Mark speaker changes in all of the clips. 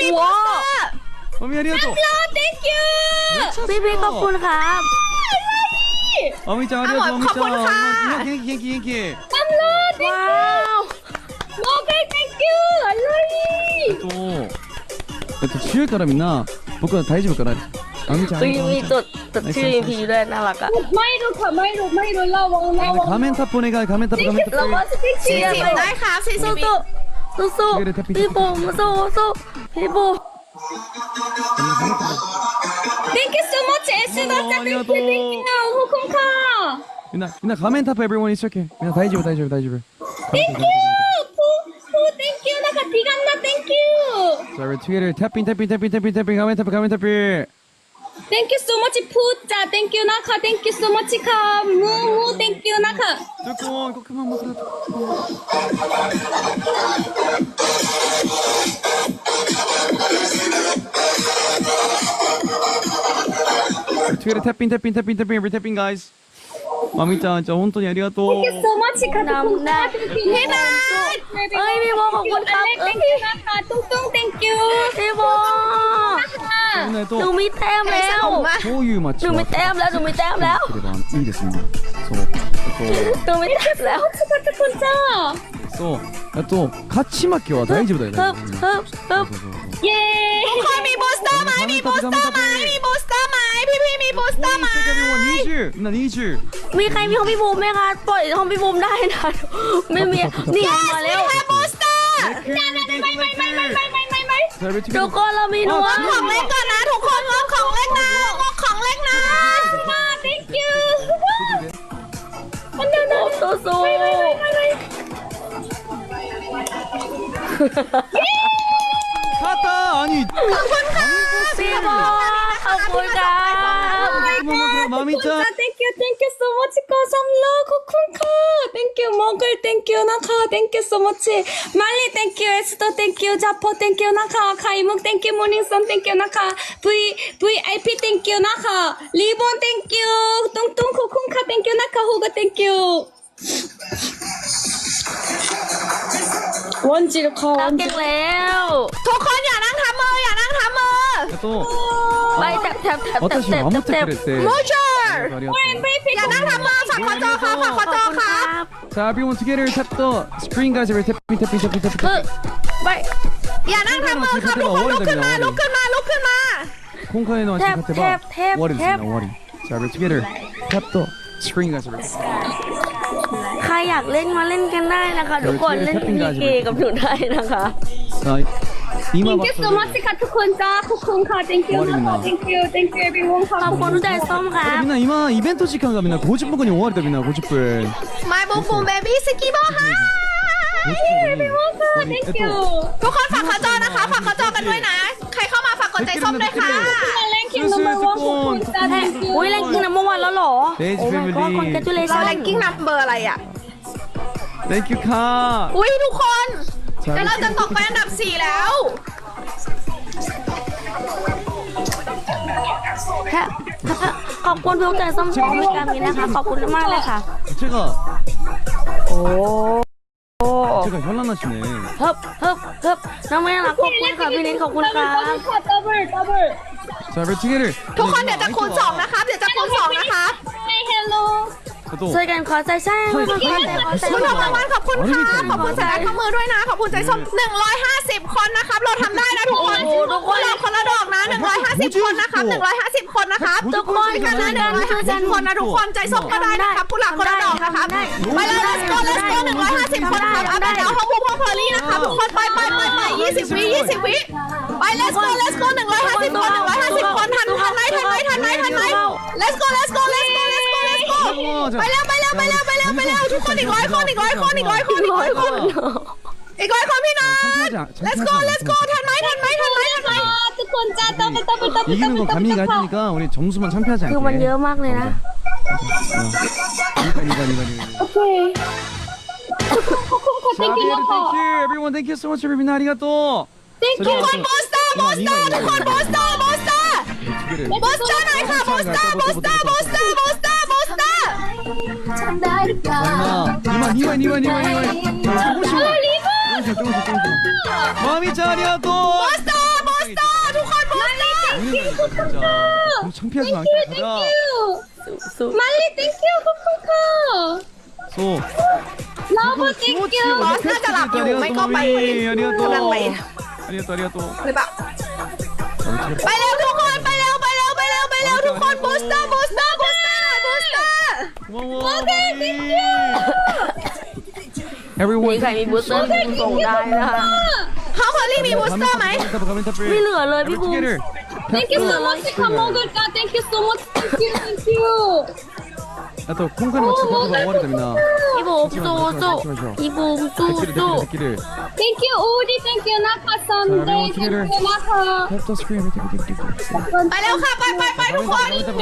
Speaker 1: มีโปสเตอร์
Speaker 2: マミありがとう
Speaker 1: thank you
Speaker 3: พี่ขอบคุณครับ
Speaker 2: マミちゃんありがとうマミちゃん元気元気元気
Speaker 3: ว้าว
Speaker 1: thank you อะไร
Speaker 2: 強いからみんな僕は大丈夫からマミちゃん
Speaker 3: คือมีจดชื่อพีด้วยน่ารักอะ
Speaker 1: ไม่รู้ค่ะไม่รู้ระวัง
Speaker 2: 画面タップお願い画面タップ画面タッ
Speaker 3: เรา
Speaker 2: プ
Speaker 3: ว่าเชียร์
Speaker 1: ได้ครับ40
Speaker 3: สู้สู้พี่บูมสู้พี่บูม
Speaker 1: thank you so much エスダちゃん thank you ขอบคุณค่ะ
Speaker 2: みんな画面タップ everyone一生懸命みんな大丈夫
Speaker 1: thank you พู thank you นะคะทีกันนะ thank you
Speaker 2: So we're together tapping画面タップ
Speaker 1: thank you so much พูดจ้า thank you นะคะ thank you so much ค่ะมู thank you นะคะ
Speaker 2: ทุกคนก็ขึ้นมาหมดแล้วtogether tapping we're tapping guys マミちゃんじゃあ本当にありがとう
Speaker 1: thank you so much ค่ะทุกคนค่ะพี่นัท
Speaker 3: เอ้ยพี่บูมขอบคุณครับ
Speaker 1: thank you นะคะตุ้ง thank you
Speaker 3: พี่บูมหนูมีแต้มแล้ว
Speaker 2: こういう街
Speaker 3: หนูมีแต้มแล้วหนูมีแต้มแล้ว
Speaker 2: いいですねそう
Speaker 3: หนูมีแต้มแล้ว
Speaker 1: ทุกคนจ้า
Speaker 2: そうあと勝ち負けは大丈夫だよね
Speaker 1: เย้
Speaker 3: ทุกคนมีบูสเตอร์ไหมมีบูสเตอร์ไหมมีบูสเตอร์ไหมพี่มีบูสเตอร์ไหม
Speaker 2: 20みんな20
Speaker 3: มีใครมีของพี่บูมไหมคะปล่อยของพี่บูมได้นะไม่มีนี่มาแล้วบูสเตอร์ทุกคนเรามีหนูของเล่นก่อนนะทุกคนงบของเล่นนะงบของเล่นนะ
Speaker 1: thank you
Speaker 3: สู้
Speaker 2: 勝った兄
Speaker 3: ขอบคุณค่ะพี่บูมขอบคุณค่ะ
Speaker 2: マミちゃん
Speaker 1: thank you so much ขอบคุณค่ะ thank you มองกล thank you นะคะ thank you so much มาลี thank you เอสโต thank you จับพอ thank you นะคะไข่มุก thank you มอร์นิ่งซัน thank you นะคะ VIP thank you นะคะรีบอน thank you ตุ้งขอบคุณค่ะ thank you นะคะฮูก thank you วันจีค่ะ
Speaker 3: เราเก่งแล้วทุกคนอย่านั่งทับมืออย่านั่งทับมือไปแทบ
Speaker 2: 私を守ってくれて
Speaker 3: โมเชอร์
Speaker 2: ありがとう
Speaker 3: อย่านั่งทับมือฝากขอจอครับฝากขอจอครับ
Speaker 2: さあ everyone together tap the screen guys we're tapping
Speaker 3: ไปอย่านั่งทับมือครับทุกคนลุกขึ้นมา
Speaker 2: 今回の足勝てば終わりですね終わりさあ we're together tap the screen guys we're
Speaker 3: ใครอยากเล่นมาเล่นกันได้นะคะทุกคนเล่นพีเกกับหนูได้นะคะ
Speaker 2: さあ今
Speaker 1: thank you so much ค่ะทุกคนจ้าขอบคุณค่ะ thank you นะคะ thank you everyone ค่ะ
Speaker 3: ขอบคุณทุกใจส้มค่ะ
Speaker 2: みんな今イベント時間がみんな50分後に終わりだみんな50分
Speaker 3: My Boom Boom Baby สกีบอลค่ะ
Speaker 1: everyone ค่ะ thank you
Speaker 3: ทุกคนฝากขอจอนะคะฝากขอจอกันด้วยนะใครเข้ามาฝากกดใจส้มด้วยค่ะ
Speaker 1: ranking number 1ขอบคุณจ้า thank you
Speaker 3: อุ้ยแรงกิ้งนัมเบอร์วันแล้วหรอ โอ้ my god congratulations
Speaker 1: แรงกิ้งนัมเบอร์อะไรอ่ะ
Speaker 2: Thank you ค่ะ
Speaker 3: อุ้ยทุกคนเดี๋ยวเราจะตกไปอันดับ4แล้วขอบคุณทุกใจส้มชมในการนี้นะคะขอบคุณมากเลยค่ะ
Speaker 2: 제가
Speaker 3: โอ้
Speaker 2: 제가 현란하시네
Speaker 3: เฮิบน้องแม่รักขอบคุณค่ะพี่นิดขอบคุณค่ะ
Speaker 1: double
Speaker 2: 자 we're together
Speaker 3: ทุกคนเดี๋ยวจะคูณ2นะครับเดี๋ยวจะคูณ2นะครับ
Speaker 1: hello
Speaker 3: ช่วยกันขอใจใช่ขอบคุณรางวัลขอบคุณค่ะขอบคุณใจข้อมือด้วยนะขอบคุณใจส้ม150 คนนะครับเราทำได้นะทุกคนทุกคนเราคนละดอกนะ150 คนนะครับ150 คนนะครับทุกคนกันนะ150 คนนะทุกคนใจส้มก็ได้นะครับผู้หลักคนละดอกนะครับไปเลย let's go 150 คนครับเอาเดี๋ยวห้องพวกเพอร์ลี่นะครับทุกคนไป20 วิไป let's go 150 คนทันไหมlet's go ไปแล้วทุกคนอีก100 คนอีก100 คนอีก100 คนพี่น้อง let's go ทันไหม
Speaker 1: ทุกคนจ้า double
Speaker 2: 이기는 건 가미가 해주니까 우리 점수만 참패하지 않게
Speaker 3: คือมันเยอะมากเลยนะ
Speaker 2: โอเค thank you everyone thank you so much everyone ありがとう
Speaker 1: thank you
Speaker 3: ทุกคนบูสเตอร์ทุกคนบูสเตอร์หน่อยค่ะบูสเตอร์
Speaker 1: ได้หรือเปล่า
Speaker 2: 2枚조금씩 마미짱 ありがとう 진짜 너무 창피하지 마. 가자.
Speaker 3: สู้
Speaker 1: 말리 땡큐 코쿤카.
Speaker 2: 소.
Speaker 1: 러브 땡큐.
Speaker 3: บอสน่าจะหลับอยู่ไม่ก็ไปกำลังไป
Speaker 2: 아리가또 아리가또.
Speaker 3: หรือเปล่าไปเร็วทุกคนไปเร็วทุกคนบูสเตอร์
Speaker 2: 고마워. Everyone.
Speaker 3: มีใครมีบูสเตอร์ส่งได้นะคะเขาพอลลี่มีบูสเตอร์ไหม
Speaker 2: ไม่เหลือเลยพี่บูม
Speaker 1: Thank you so much 카 먹을까. Thank you so much. Thank you.
Speaker 2: 또 콩카는 같이 가져가 와야 됩니다.
Speaker 3: พี่บูมสู้พี่บูมสู้
Speaker 2: 데키를.
Speaker 1: Thank you 오디. Thank you 나카 Sunday. Thank you 나카.
Speaker 2: 캡터 스크린
Speaker 3: ไปแล้วค่ะไปทุกคน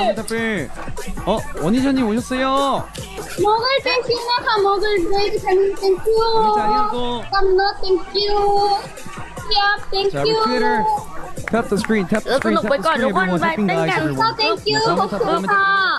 Speaker 2: 원희자님 오셨어요.
Speaker 1: 먹을 Thank you 나카 먹을 레이디 팬님 Thank you.
Speaker 2: 아리가또.
Speaker 1: 깜너 Thank you. 야 Thank
Speaker 2: 자 우리
Speaker 1: you.
Speaker 2: 트위터 tap the screen tap the screen tap the screen everyone tapping guys everyone.
Speaker 1: Thank you 코쿤카.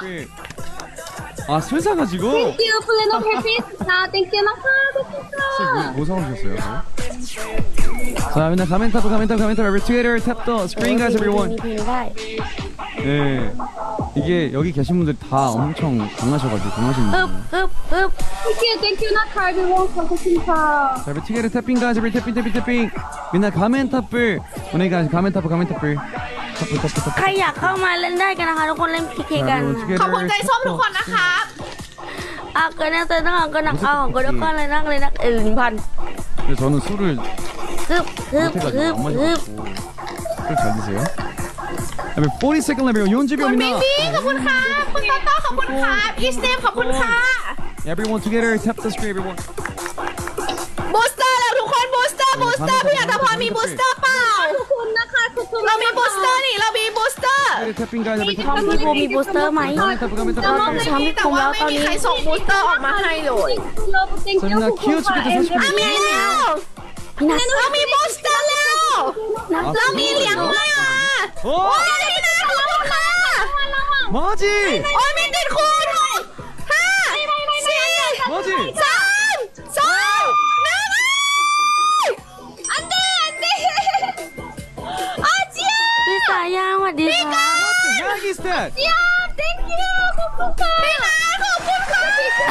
Speaker 2: 아 술 사가지고.
Speaker 1: Thank you 플래너 해피스타. Thank you 나카 코쿤카.
Speaker 2: 뭐 사오셨어요? 자 맨날 가멘타프 every Twitter tap the screen guys everyone.
Speaker 3: มีเพลงได้
Speaker 2: 네 이게 여기 계신 분들 다 엄청 강하셔가지고 강하신 분들.
Speaker 3: ฮึบ
Speaker 1: Thank you 나카 everyone 코쿤카.
Speaker 2: 자 every Twitter tapping guys every tapping 맨날 가멘타프 오늘 guys 가멘타프 tapu.
Speaker 3: ใครอยากเข้ามาเล่นได้กันนะคะทุกคนเล่น PK กัน ขอบคุณใจส้มทุกคนนะครับเกินนักเต้นก็นักเอาก็นักก็เลยนัก1,000
Speaker 2: 근데 저는 술을
Speaker 3: ฮึบ
Speaker 2: 술 잘 드세요? 40 second level
Speaker 3: คุณ
Speaker 2: 연주병이나
Speaker 3: บิงบี้ขอบคุณค่ะคุณโตโต้ขอบคุณค่ะอีสเนมขอบคุณค่ะ
Speaker 2: everyone together tap the screen everyone
Speaker 3: บูสเตอร์แล้วทุกคนบูสเตอร์พี่อัตพรมีบูสเตอร์เปล่า
Speaker 1: 코쿤 나카 코쿤.
Speaker 3: เรามีบูสเตอร์นี่เรามีบูสเตอร์
Speaker 2: tapping guys every
Speaker 3: ทอมพี่บูมีบูสเตอร์ไหม
Speaker 2: 가멘타프
Speaker 3: แต่ว่าไม่มีใครส่งบูสเตอร์ออกมาให้เลย
Speaker 1: 러브 땡큐
Speaker 2: 저희가 키워주기도
Speaker 1: 코쿤카.
Speaker 2: 사실
Speaker 3: มีแล้วเรามีบูสเตอร์แล้วเรามีเหรียญด้วยอ่ะ
Speaker 2: 오!
Speaker 3: พี่นาขอบคุณค่ะ
Speaker 2: 뭐지?
Speaker 3: โอ้ยมีติดคูณ5 4
Speaker 2: 뭐지?
Speaker 3: 3 2
Speaker 1: 안돼 안돼. 아지야.
Speaker 3: พี่สายาสวัสดีค่ะ
Speaker 2: 야기 스탯!
Speaker 1: 야 땡큐 코쿤카.
Speaker 3: พี่นาขอบคุณค่ะ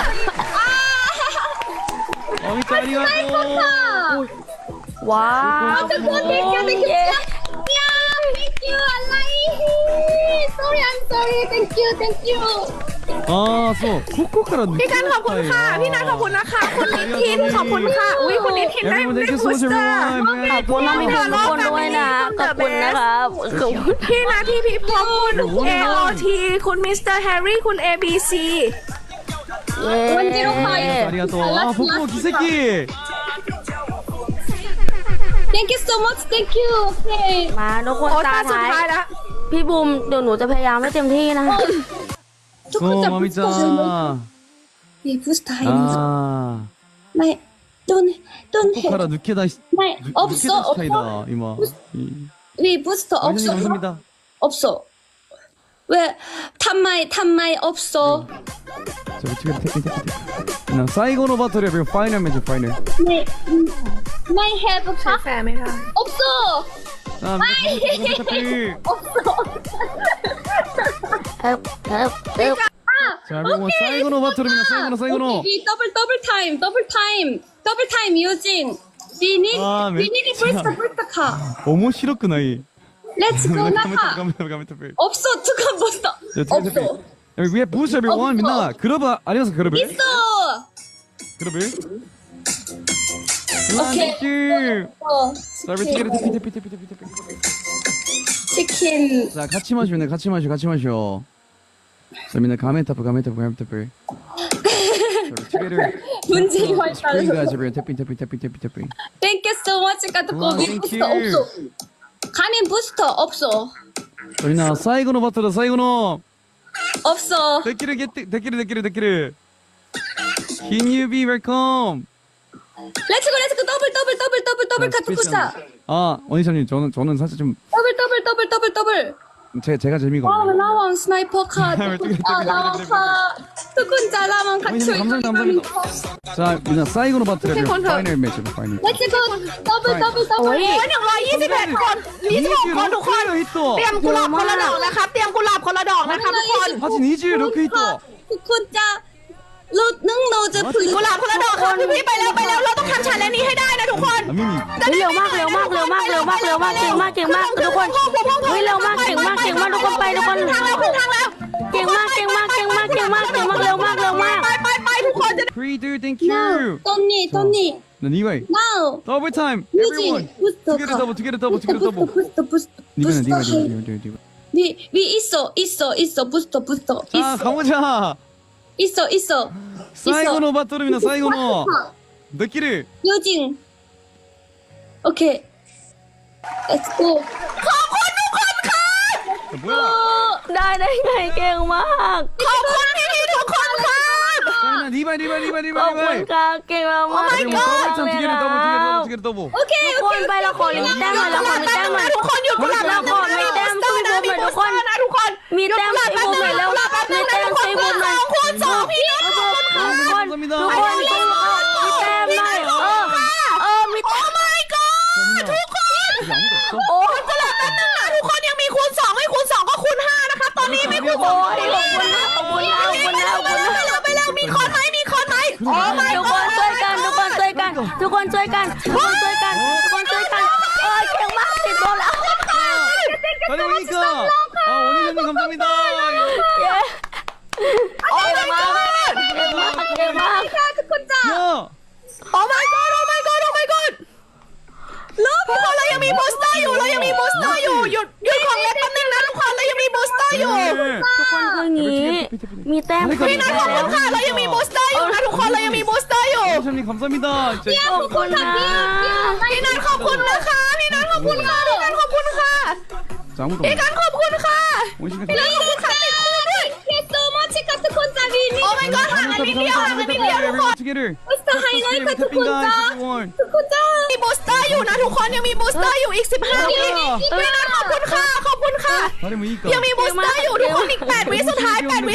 Speaker 2: 어미 짜리가고
Speaker 3: ว้าว
Speaker 1: 코쿤 땡큐 땡큐. 야 땡큐 알라이. Sorry I'm sorry. Thank you.
Speaker 2: 아소 코코카라
Speaker 3: พี่กันขอบคุณค่ะ พี่นัทขอบคุณนะคะ คุณนิทินขอบคุณค่ะ อุ้ยคุณนิทินได้
Speaker 2: Everyone
Speaker 3: ได้
Speaker 2: thank you
Speaker 3: บู
Speaker 2: so
Speaker 3: ส
Speaker 2: much
Speaker 3: เตอร์
Speaker 2: everyone
Speaker 3: ขอบคุณน้องมีทุกคนด้วยนะขอบคุณนะครับขอบคุณพี่นาที่พี่พงศ์คุณ AOT คุณมิสเตอร์แฮร์รี่คุณ ABC เย้
Speaker 1: 원지로 가요.
Speaker 2: 아리가또 아 포코 기새끼
Speaker 1: Thank you so much. Thank you. Okay.
Speaker 3: มาทุกคน
Speaker 4: โอ้
Speaker 3: ตา
Speaker 4: ตาสุด
Speaker 3: ท้า
Speaker 4: ท้าย
Speaker 3: ย
Speaker 4: แล้ว
Speaker 3: พี่บูมเดี๋ยวหนูจะพยายามให้เต็มที่นะคะ
Speaker 1: 조금
Speaker 2: 오
Speaker 1: 더
Speaker 2: 마미짱
Speaker 1: 네 부스터 하이면서
Speaker 2: 아
Speaker 1: 네 don't
Speaker 2: 코코카라 누케다
Speaker 1: 네 없어
Speaker 2: 스타이다 이마
Speaker 1: 네 부스터
Speaker 2: 원장님
Speaker 1: 없어
Speaker 2: 감사합니다
Speaker 1: 없어 왜 탐마이 없어
Speaker 2: 자 우리 팀에 태핑 나 사이고노 바토리 everyone 파이널 매치 파이널
Speaker 1: 네 마이 have 카
Speaker 4: แฟร์ไหมคะ
Speaker 1: 없어
Speaker 2: 아 태핑 자 everyone 사이고노 바토리입니다 사이고노
Speaker 1: 오케이 더블 타임 유진
Speaker 2: 아,
Speaker 1: we need
Speaker 2: 진짜.
Speaker 1: 부스터 카
Speaker 2: 어머 싫었구나 이
Speaker 1: Let's go 나카
Speaker 2: 가메타페
Speaker 1: 없어 두칸 부스터 없어
Speaker 2: 여기 위에 부스 everyone 민나 그러브 아니어서 그러브
Speaker 1: 있어
Speaker 2: 그러브
Speaker 1: 오케이.
Speaker 2: 땡큐
Speaker 1: 어
Speaker 2: 자 우리 티켓 태핑
Speaker 1: 치킨
Speaker 2: 자 같이 마시면 돼 같이 마셔 자 민나 가멘타프 자 우리 티켓을
Speaker 1: 문제가
Speaker 2: 스크린
Speaker 1: 있다는
Speaker 2: 가지 everyone 태핑
Speaker 1: Thank you so much 가도
Speaker 2: 와,
Speaker 1: 거기
Speaker 2: thank
Speaker 1: 부스터
Speaker 2: you.
Speaker 1: 없어 가민 부스터 없어
Speaker 2: 자 민나 사이고노 바토다 사이고노
Speaker 1: 없어
Speaker 2: 데키르 Can you be welcome
Speaker 1: 렛츠고 더블 카트 부스터
Speaker 2: 아 원희찬님 저는 사실 좀
Speaker 1: 더블
Speaker 2: 제가 재미가
Speaker 1: 와
Speaker 2: 없네요
Speaker 1: 나왕 스나이퍼 카 나와카 두kun자 라만 같이
Speaker 2: 감사합니다. 자 민나 사이고노 바토리
Speaker 4: 콘서트.
Speaker 2: 파이널 매치 파이널
Speaker 1: 렛츠고 더블
Speaker 3: โอ้ย
Speaker 4: 121 คน26 คนทุกคน
Speaker 2: 히터.
Speaker 3: เตรียมกุหลาบคนละดอกนะครับเตรียมกุหลาบคนละดอกนะครับทุกคน
Speaker 2: 하진 이지 로크 히터.
Speaker 1: ทุกคนจะลดนึ่งโนจะผลิต
Speaker 3: กุหลาบคนละดอกครับพี่ไปแล้วเราต้องทำชาเลนจ์นี้ให้ได้นะทุกคน
Speaker 2: 아미미.
Speaker 4: เร็วมากเก่งมากทุกคนเร็วมากเก่งมากทุกคนไปทุกคน
Speaker 3: ทางแล้วทางแล้ว
Speaker 4: เก่งมากเร็วมาก
Speaker 3: ไปทุกคนจะ
Speaker 2: Pre-do, thank
Speaker 1: now
Speaker 2: you.
Speaker 1: ตอนนี้
Speaker 2: 난 이와이.
Speaker 1: now
Speaker 2: Double time.
Speaker 1: 뮤직
Speaker 2: Everyone.
Speaker 1: 부스터
Speaker 2: Together double, together double, together double.
Speaker 1: 부스터
Speaker 2: 니가는 니가.
Speaker 1: 위 있어 부스터
Speaker 2: 자, 가보자.
Speaker 1: 있어
Speaker 2: 사이고노 바토르미나 사이고노. 느끼를.
Speaker 1: 요징 오케이 let's go
Speaker 2: 뭐야?
Speaker 4: ได้ไงเก่งมาก
Speaker 3: ขอบคุณพี่ทุกคนครับ
Speaker 2: 자나 리바이.
Speaker 4: ขอบคุณค่ะเก่งมาก
Speaker 2: 그리고 더블 time together double, together double.
Speaker 4: ทุกคนไปเราขอลิมิตแต้มหน่อยเราขอลิมิตแต้มหน่อย
Speaker 3: ทุกคนหยุดกุหลาบ
Speaker 4: เราขอมีแต้มช่วยบูมหน่อยทุกคน
Speaker 3: นะทุกคน
Speaker 4: มีแต้มช่วยบูมหน่อยแล้วมีแต้มช่วยบูมหน่อย
Speaker 3: คูณ2พี่น้อง
Speaker 4: ทุกคนมีแต้มหน่อยมีแต้ม
Speaker 3: ทุกคน
Speaker 2: 여기 아무도 없어?
Speaker 4: โอ้
Speaker 3: กุหลาบแป๊บนึงนะทุกคนยังมีคูณ2ไม่คูณ2ก็คูณ5นะคะตอนนี้ไม่คูณ
Speaker 4: โอ้
Speaker 3: 2
Speaker 4: ยขอบคุณนะ
Speaker 3: ไปแล้วมีคอนไหมโอ้ไม่
Speaker 4: ทุกคนช่วยกันเก่งมากติดโดนแล้ว
Speaker 2: 다녀오니까. 아, 원희선님 감사합니다.
Speaker 3: โอ้
Speaker 4: เก่ง
Speaker 3: my
Speaker 4: มาก
Speaker 3: god
Speaker 4: เก่งมาก
Speaker 1: ทุกคนจ้า
Speaker 2: 야.
Speaker 3: Oh my godทุกคนเรายังมีบูสเตอร์อยู่หยุดของเล็กแป๊บนึงนะทุกคนเรายังมีบูสเตอร์อยู่
Speaker 4: ทุกคนคืองี้มีแต้ม
Speaker 3: พี่นัทขอบคุณค่ะเรายังมีบูสเตอร์อยู่นะทุกคนเรายังมีบูสเตอร์อยู่
Speaker 2: 원희선님 감사합니다. 진짜.
Speaker 4: ขอบคุณนะ
Speaker 3: พี่นัทขอบคุณนะคะพี่นัทขอบคุณค่ะ
Speaker 2: 자, 아무도
Speaker 3: พี่
Speaker 2: 없네.
Speaker 3: กันขอบคุณค่ะ
Speaker 2: 원희선님
Speaker 3: พี่นัทขอบคุณค่ะติดคู่ด้วย
Speaker 1: โซมาชิค่ะทุกคนจ้าวีนี่
Speaker 3: โอ้ my god ห่างกันนิดเดียวทุกคน
Speaker 2: together.
Speaker 1: บุสเตอร์ไฮไลท์ค่ะทุกคนจ้า
Speaker 2: everyone.
Speaker 1: ทุกคนจ้า
Speaker 3: มีบูสเตอร์อยู่นะทุกคนยังมีบูสเตอร์อยู่อีก15วิพี่นัทขอบคุณค่ะ
Speaker 2: 다리모 이까.
Speaker 3: ยังมีบูสเตอร์อยู่ทุกคนอีก8วิสุดท้าย
Speaker 1: แม่
Speaker 3: โอ้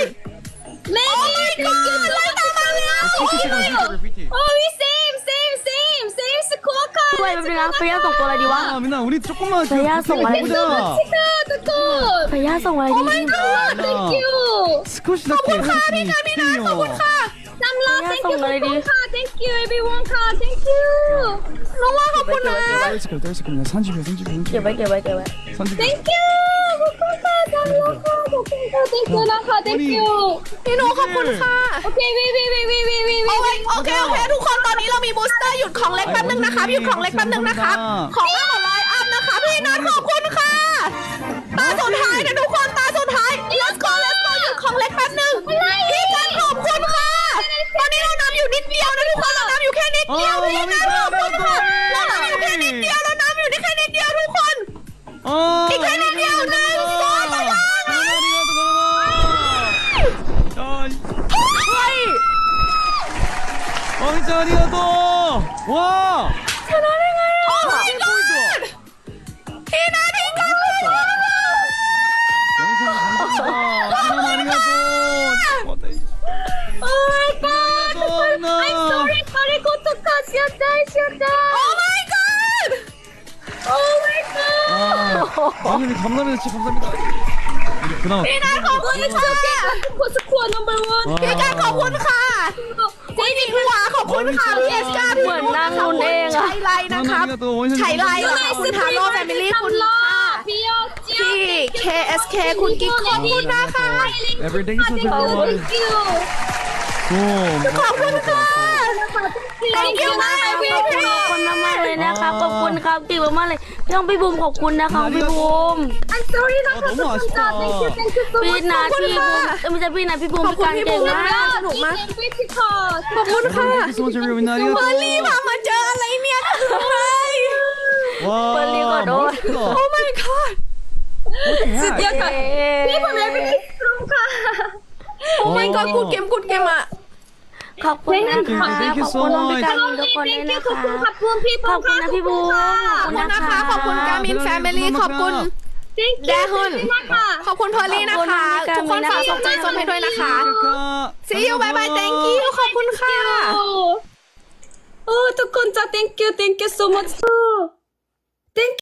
Speaker 3: my god ไล่ตามมาแล้ว
Speaker 2: 50
Speaker 1: โอ้ยเซมสกอร์ค่ะ
Speaker 4: ช่วยแป๊บนึงนะพยาส่งตัวอะไรดีวะ
Speaker 2: 아, 민나 우리 조금만 그
Speaker 4: 야, 정말.
Speaker 2: 보자.
Speaker 1: ค่ะทุกคน
Speaker 4: พยาส่งอะไรดี
Speaker 1: thank you
Speaker 2: 스쿼시답게 해주시니
Speaker 3: ขอบคุณค่ะ
Speaker 1: น้ำลา thank you ทุกคนค่ะ thank you everyone ค่ะ thank you
Speaker 3: น้องว่าขอบคุณนะ
Speaker 2: 떨스크냐 30秒
Speaker 4: เก็บไว้
Speaker 2: 30秒.
Speaker 1: thank you ทุกคนค่ะน้ำลาค่ะขอบคุณค่ะ thank you นะคะ thank you
Speaker 3: พี่หนูขอบคุณค่ะ
Speaker 1: โอเควี
Speaker 3: โอเคทุกคนตอนนี้เรามีบูสเตอร์หยุดของเล็กแป๊บนึงนะครับหยุดของเล็กแป๊บนึงนะครับของมากกว่า100อัพนะคะพี่นัทขอบคุณค่ะตาสุดท้ายนะทุกคนตาสุดท้าย let's go หยุดของเล็กแป๊บนึงพี่กันขอบคุณค่ะตอนนี้เรานำอยู่นิดเดียวนะทุกคนเรานำอยู่แค่นิดเดียวพี่นัทขอบคุณค่ะเรานำอยู่แค่นิดเดียวทุกคน อีกแค่นิดเดียว1 2
Speaker 2: 진짜 아리가또. 와.
Speaker 3: โอ้ my god พี่นัทพี่กัน
Speaker 2: 영상 감사합니다. 진짜 아리가또.
Speaker 1: oh my god I'm sorry カレコとかしちゃった
Speaker 3: Oh my god
Speaker 1: oh my god
Speaker 2: 아, 아니 감사합니다. 진짜 감사합니다. 그나마
Speaker 3: พี่นัทขอบคุณค่ะ
Speaker 1: ทุกคนสควอ number one
Speaker 3: พี่กันขอบคุณค่ะพี่นิหัวขอบคุณค่ะพี่เอสกาพี่นุ่นนะคะใช้ไลน์นะครับใช้ไลน์ขอบคุณทาโร่แฟมิลี่คุณค่ะ
Speaker 1: พี่ยอดเจีย
Speaker 3: พี่ KSK คุณกิ๊กขอบคุณนะคะ
Speaker 2: Everything is so everyone.
Speaker 1: thank you
Speaker 2: 좀.
Speaker 3: ขอบคุณค่ะ Thank you มาก
Speaker 4: ขอบคุณมากเลยนะครับขอบคุณครับเก่งมากเลยพี่บูมขอบคุณนะคะพี่บูม
Speaker 1: I'm sorry นะคะ
Speaker 2: 너무 아쉽다.
Speaker 1: thank you so
Speaker 4: พี่
Speaker 1: much
Speaker 4: นัทพี่บูมไม่ใช่พี่นัทพี่บูมพี่การเก่งมาก
Speaker 3: สนุกมาก
Speaker 1: ขอบคุณค่ะ
Speaker 2: Thank you so much everyone.
Speaker 3: เบอร์รี่
Speaker 2: 아리가또.
Speaker 3: พามาเจออะไรเนี่ยคืออะไร
Speaker 2: 와.
Speaker 4: 빨리 가라.
Speaker 2: 멋있다.
Speaker 3: Oh my god
Speaker 1: เดี๋ยวค่ะพี่ผมเลยไม่ได้ตรงค่ะ
Speaker 3: Oh my god กูเกมอ่ะ
Speaker 4: ขอบคุณนะคะขอบคุณพี่การทุกคนด้วยนะ
Speaker 1: ขอบ
Speaker 4: คะ
Speaker 1: คุณขอบคุณพี่
Speaker 4: ขอบคุณนะพี่บูม
Speaker 3: ขอบคุณนะคะ ขอบคุณกามินแฟมิลี่ขอบคุณ แดฮุน ขอบคุณเพอร์ลี่นะคะ ทุกคนฝากส่งใจส้มให้ด้วยนะคะ See you bye bye thank you ขอบคุณค่ะ
Speaker 1: โอ้ทุกคนจ้า thank you so much thank you